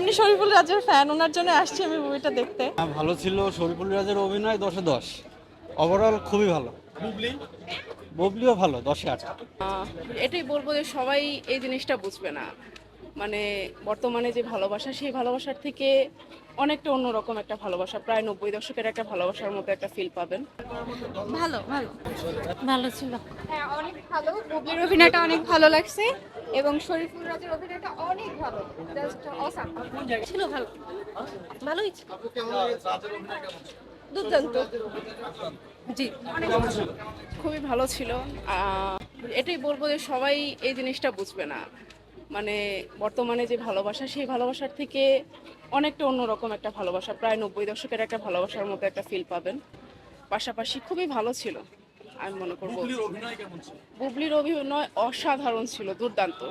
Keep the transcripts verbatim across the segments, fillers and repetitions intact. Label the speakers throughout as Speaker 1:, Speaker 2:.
Speaker 1: এমনি শরীফুল রাজের ফ্যান, ওনার জন্য আসছি আমি মুভিটা দেখতে।
Speaker 2: হ্যাঁ, ভালো ছিল। শরীফুল রাজের অভিনয় দশে দশ, ওভারঅল খুবই ভালো। বুবলি বুবলিও ভালো, দশে আট।
Speaker 3: এটাই বলবো যে সবাই এই জিনিসটা বুঝবে না, মানে বর্তমানে যে ভালোবাসা সেই ভালোবাসার থেকে অনেকটা অন্যরকম একটা ভালোবাসা, প্রায় নব্বই দশকের একটা ভালোবাসার মতো একটা ফিল পাবেন।
Speaker 1: ভালো ভালো
Speaker 4: ভালো ছিল।
Speaker 5: হ্যাঁ, অনেক ভালো। বুবলির অভিনয়টা অনেক ভালো লাগছে এবং শরীফুল রাজের অভিনয়টা অনেক ভালো, জাস্ট অসাম
Speaker 4: ছিল ভালো, ভালোই ছিল।
Speaker 5: দুর্দান্ত।
Speaker 4: জি,
Speaker 3: খুবই ভালো ছিল। আহ, এটাই বলবো যে সবাই এই জিনিসটা বুঝবে না, মানে বর্তমানে যে ভালোবাসা সেই ভালোবাসার থেকে অনেকটা অন্যরকম একটা ভালোবাসা, প্রায় নব্বই দশকের একটা ভালোবাসার মতো একটা ফিল পাবেন। পাশাপাশি খুবই ভালো ছিল, আমি মনে করবো। বুবলির অভিনয় অসাধারণ ছিল, দুর্দান্ত।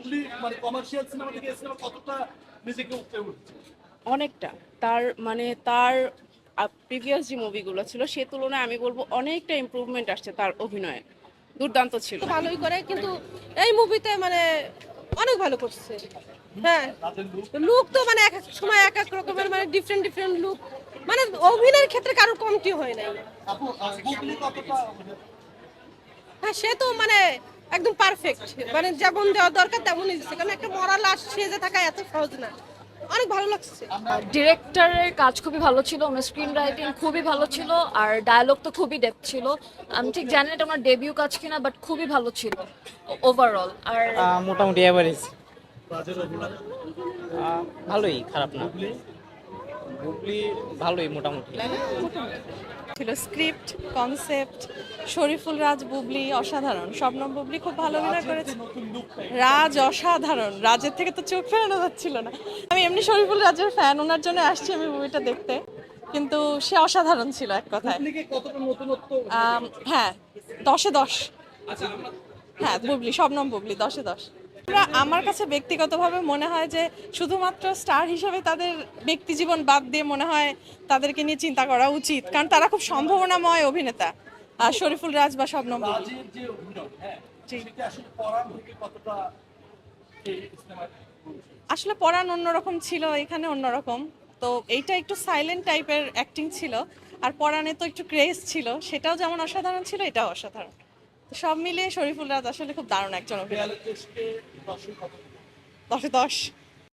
Speaker 3: অনেকটা তার মানে তার প্রিভিয়াস যে মুভিগুলো ছিল সে তুলনায় আমি বলবো অনেকটা ইমপ্রুভমেন্ট আসছে তার অভিনয়ে, দুর্দান্ত ছিল।
Speaker 4: ভালোই করে, কিন্তু এই মুভিতে মানে অনেক ভালো করছে। হ্যাঁ, লুক তো মানে এক এক সময় এক এক রকমের, মানে ডিফারেন্ট ডিফারেন্ট লুক, মানে অভিনয়ের ক্ষেত্রে কারোর কমতি হয় নাই। হ্যাঁ, সে তো মানে একদম পারফেক্ট, মানে যেমন দেওয়া দরকার তেমনই দিচ্ছে, কারণ একটা মরা লাশ সেজে থাকা এত সহজ না। অনেক ভালো লাগছে।
Speaker 6: ডিরেক্টরের কাজ খুবই ভালো ছিল, ওনার স্ক্রিন রাইটিং খুবই ভালো ছিল, আর ডায়ালগ তো খুবই ডেপথ ছিল। আমি ঠিক জানি না এটা ওনার ডেবিউ কাজ কিনা, বাট খুবই ভালো ছিল ওভারঅল। আর
Speaker 7: আহ, মোটামুটি অ্যাভারেজ, ভালোই, খারাপ না। বুবলি ভালোই মোটামুটি
Speaker 1: ছিল। স্ক্রিপ্ট, কনসেপ্ট, শরীফুল রাজ, বুবলি অসাধারণ। শবনম বুবলি খুব ভালো অভিনয় করেছে। রাজ অসাধারণ, রাজের থেকে তো চোখ ফেরানো যাচ্ছিল না। আমি এমনি শরীফুল রাজের ফ্যান, ওনার জন্য আসছি আমি মুভিটা দেখতে, কিন্তু সে অসাধারণ ছিল এক কথায়। আম, হ্যাঁ, দশে দশ। হ্যাঁ, বুবলি, শবনম বুবলি দশে দশ। আমরা, আমার কাছে ব্যক্তিগতভাবে মনে হয় যে শুধুমাত্র স্টার হিসেবে তাদের ব্যক্তি জীবন বাদ দিয়ে মনে হয় তাদেরকে নিয়ে চিন্তা করা উচিত, কারণ তারা খুব সম্ভাবনাময় অভিনেতা, আর শরীফুল রাজ বা শবনম বুবলি। আসলে পরাণ অন্যরকম ছিল, এখানে অন্যরকম। তো এইটা একটু সাইলেন্ট টাইপের অ্যাক্টিং ছিল, আর পরাণে তো একটু ক্রেজ ছিল, সেটাও যেমন অসাধারণ ছিল, এটাও অসাধারণ। তো সব মিলিয়ে শরীফুল রাজ আসলে খুব দারুণ একজন অভিনেতা। দশে দশ।